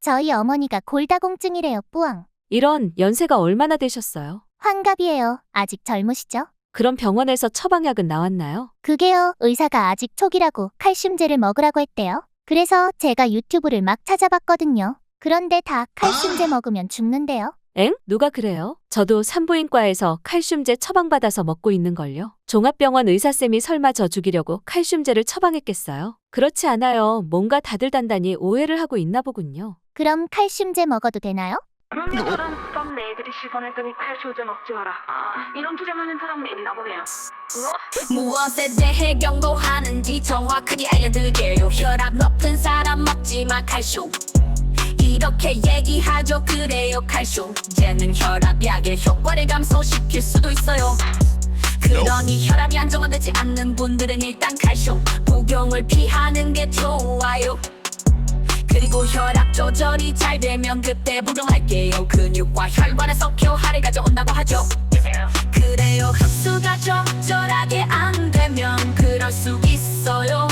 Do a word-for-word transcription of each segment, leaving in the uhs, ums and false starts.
저희 어머니가 골다공증이래요, 뿌앙. 이런, 연세가 얼마나 되셨어요? 환갑이에요. 아직 젊으시죠? 그럼 병원에서 처방약은 나왔나요? 그게요, 의사가 아직 초기라고 칼슘제를 먹으라고 했대요. 그래서 제가 유튜브를 막 찾아봤거든요. 그런데 다 칼슘제 먹으면 죽는데요. 엥? 누가 그래요? 저도 산부인과에서 칼슘제 처방받아서 먹고 있는걸요. 종합병원 의사쌤이 설마 저 죽이려고 칼슘제를 처방했겠어요? 그렇지 않아요. 뭔가 다들 단단히 오해를 하고 있나 보군요. 그럼 칼슘제 먹어도 되나요? 그런 것처럼 썸 애들이 시선했더니 칼슘제 먹지 마라. 아, 이런 주장하는 사람이 있나 보네요. 무엇에 대해 경고하는지 정확하게 알려드려요. 혈압 높은 사람 먹지마 칼슘, 이렇게 얘기하죠. 그래요, 칼슘제는 혈압약의 효과를 감소시킬 수도 있어요. 그러니 혈압이 안정화되지 않는 분들은 일단 칼슘 복용을 피하는 게 좋아요. 그리고 혈압 조절이 잘 되면 그때 복용할게요. 근육과 혈관에서 교화를 가져온다고 하죠. 그래요, 흡수가 적절하게 안 되면 그럴 수 있어요.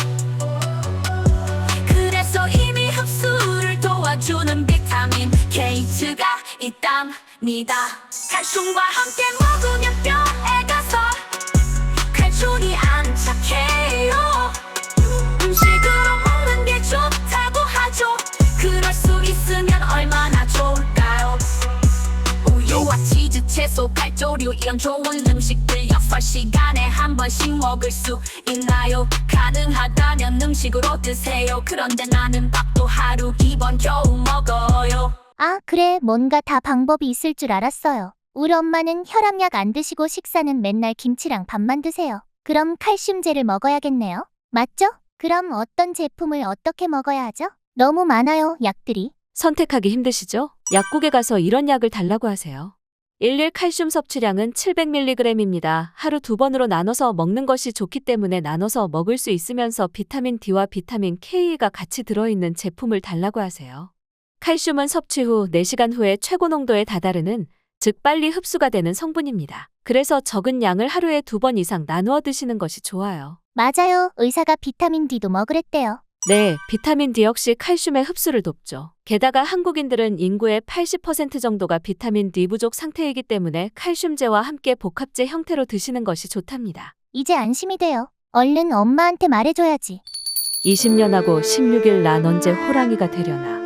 그래서 이미 흡수를 도와주는 비타민 K가 있답니다. 칼슘과 함께 먹으면 뼈에 가서 칼슘이 안착해요. 음식으로 먹는 게 좋다고 하죠. 그럴 수 있으면 얼마나 좋을까요? 우유와 치즈, 채소, 칼조류 이런 좋은 음식들 여섯 시간에 한 번씩 먹을 수 있나요? 가능하다면 음식으로 드세요. 그런데 나는 밥도 하루 두 번 겨우 먹어요. 아, 그래, 뭔가 다 방법이 있을 줄 알았어요. 우리 엄마는 혈압약 안 드시고 식사는 맨날 김치랑 밥만 드세요. 그럼 칼슘제를 먹어야겠네요. 맞죠? 그럼 어떤 제품을 어떻게 먹어야 하죠? 너무 많아요, 약들이. 선택하기 힘드시죠? 약국에 가서 이런 약을 달라고 하세요. 일일 칼슘 섭취량은 칠백 밀리그램입니다. 하루 두 번으로 나눠서 먹는 것이 좋기 때문에 나눠서 먹을 수 있으면서 비타민 D와 비타민 K가 같이 들어있는 제품을 달라고 하세요. 칼슘은 섭취 후 네 시간 후에 최고 농도에 다다르는, 즉 빨리 흡수가 되는 성분입니다. 그래서 적은 양을 하루에 두 번 이상 나누어 드시는 것이 좋아요. 맞아요, 의사가 비타민 D도 먹으랬대요. 네, 비타민 D 역시 칼슘의 흡수를 돕죠. 게다가 한국인들은 인구의 팔십 퍼센트 정도가 비타민 D 부족 상태이기 때문에 칼슘제와 함께 복합제 형태로 드시는 것이 좋답니다. 이제 안심이 돼요. 얼른 엄마한테 말해줘야지. 이십 년 하고 십육 일 난 언제 호랑이가 되려나.